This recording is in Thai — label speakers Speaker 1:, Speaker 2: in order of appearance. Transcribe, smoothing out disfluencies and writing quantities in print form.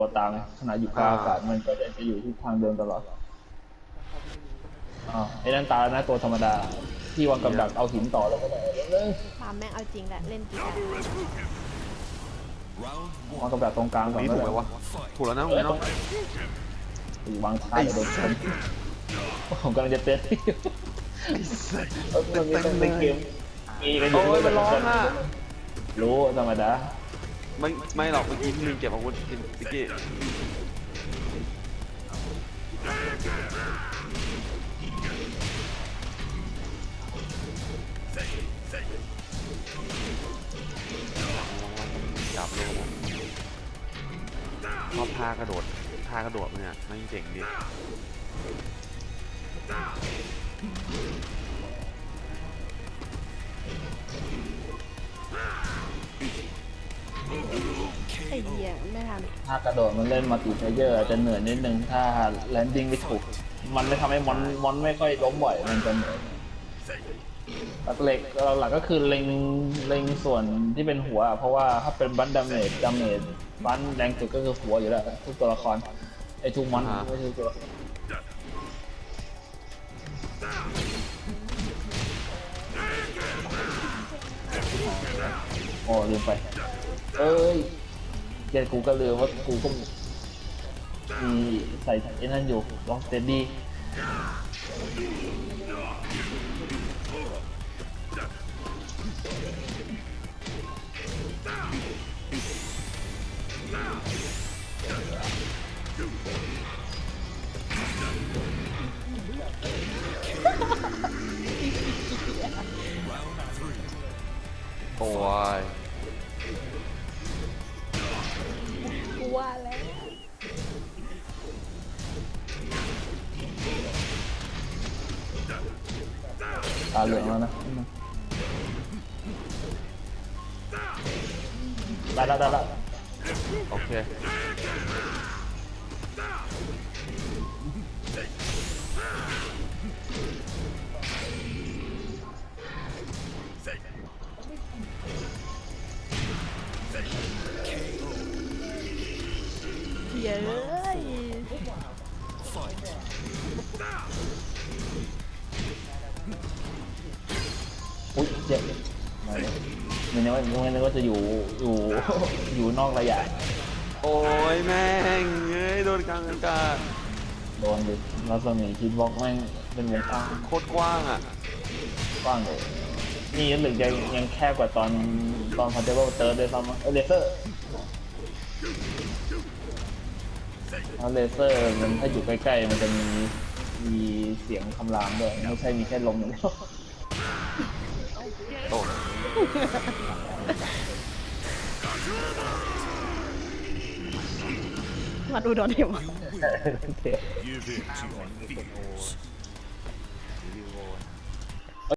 Speaker 1: ตัวตามขณะอยู่กลางอากาศมันก็จะอยู่ที่ทางเดิมตลอดไอ้นั่นตานะตัวธรรมดาที่วางกับดักเอาหินต่อแล้วก็ได้
Speaker 2: ปาล์มแม่งเอาจริงแหละเล่นกีตาร์
Speaker 1: วางกับดักตรงกลางก่อน
Speaker 3: นี่
Speaker 1: ก็
Speaker 3: ถูก
Speaker 1: ได้
Speaker 3: ไหมวะถูกแล้วนะตรงนี้เนาะ
Speaker 1: วางช้าเดี๋ยวโดนชนผมกำลังจะเต้นในเกมมีกันอยู่
Speaker 3: โอ้ยมันร้องอ่ะ
Speaker 1: รู้ธรรมดา
Speaker 3: ไม่หรอกเมื่อกี้พี่ลืมเก็บอาวุธพี่กี้จับเลยชอบท่ากระโดดมันเนี่ยไม่เจ๋งดี
Speaker 2: ไอ้เหี้ยไม่ทัน
Speaker 1: ถ้ากระโดดมันเล่นมัลติเพลเยอร์อาจจะเหนื่อยนิดนึงถ้าแลนดิ้งไม่ถูกมันไม่ทำให้มอนไม่ค่อยล้มบ่อยมันจะเหนื่อยหลักก็คือเล็งส่วนที่เป็นหัวเพราะว่าถ้าเป็นบันดาเมจบันแรงสุดก็คือหัวอยู่แล้วทุกตัวละครไอ้ทุกมอนไม่ใช่ตัวโอ้ลืมไปเอ้ยเดี๋ยวกูก็ลืมว่ากูก็มีใส่ไอ้นั่นอยู่ลองสเตดดี้
Speaker 3: โอ้ย
Speaker 2: กูว่าแล้ว
Speaker 1: ตาเหลืองแล้วนะได้ละ
Speaker 3: โอเค
Speaker 2: เย้ย
Speaker 1: อุ้ยเจ็บไม่นึกว่าจะอยู่นอกระยะ
Speaker 3: โอ้ยแม่งเอ้ยโดนกลางอากาศ
Speaker 1: โดนดิรัศมีคิดบล็อกแม่งเป็นวงกว้าง
Speaker 3: โคตรกว้างอ่ะ
Speaker 1: กว้างเลยนี่หรือยังแคบกว่าตอนพาร์เทเบิลเติร์ดด้วยซ้ำเลเซอร์เลเซอร์มันถ้าอยู่ใกล้ๆมันจะมีเสียงคำรามด้วยไม่ใช่มีแค่ลมอย่างเดียว
Speaker 3: โอ้
Speaker 2: มาดูโดนเห็นวะ
Speaker 4: Give it to your fears.